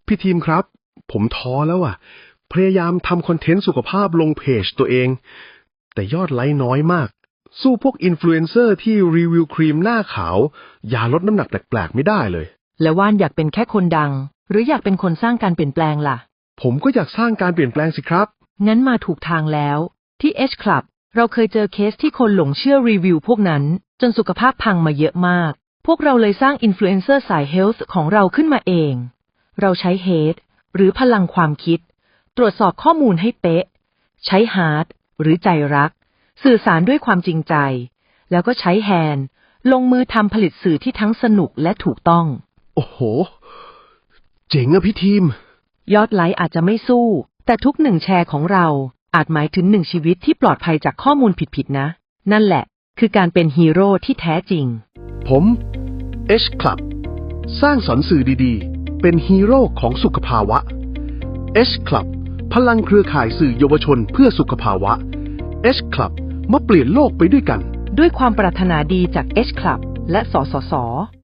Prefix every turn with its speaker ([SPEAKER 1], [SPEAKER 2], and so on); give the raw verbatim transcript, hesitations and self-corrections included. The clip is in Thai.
[SPEAKER 1] พี่ทีมครับผมท้อแล้วอ่ะพยายามทำคอนเทนต์สุขภาพลงเพจตัวเองแต่ยอดไลค์น้อยมากสู้พวกอินฟลูเอนเซอร์ที่รีวิวครีมหน้าขาวยาลดน้ำหนักแปลกๆไม่ได้เลย
[SPEAKER 2] แล้วว่านอยากเป็นแค่คนดังหรืออยากเป็นคนสร้างการเปลี่ยนแปลงล่ะ
[SPEAKER 1] ผมก็อยากสร้างการเปลี่ยนแปลงสิครับ
[SPEAKER 2] งั้นมาถูกทางแล้วที่ H Club เราเคยเจอเคสที่คนหลงเชื่อรีวิวพวกนั้นจนสุขภาพพังมาเยอะมากพวกเราเลยสร้างอินฟลูเอนเซอร์สายเฮลท์ของเราขึ้นมาเองเราใช้เฮดหรือพลังความคิดตรวจสอบข้อมูลให้เป๊ะใช้ฮาร์ดหรือใจรักสื่อสารด้วยความจริงใจแล้วก็ใช้แฮนด์ลงมือทำผลิตสื่อที่ทั้งสนุกและถูกต้อง
[SPEAKER 1] โอ้โหเจ๋งอะพี่ทีม
[SPEAKER 2] ยอดไลค์อาจจะไม่สู้แต่ทุกหนึ่งแชร์ของเราอาจหมายถึงหนึ่งชีวิตที่ปลอดภัยจากข้อมูลผิดๆนะนั่นแหละคือการเป็นฮีโร่ที่แท้จริง
[SPEAKER 1] ผม H Club สร้างสรรค์สื่อดีๆเป็นฮีโร่ของสุขภาวะ H Club พลังเครือข่ายสื่อเยาวชนเพื่อสุขภาวะ H Club มาเปลี่ยนโลกไปด้วยกัน
[SPEAKER 2] ด้วยความปรารถนาดีจาก H Club และสสส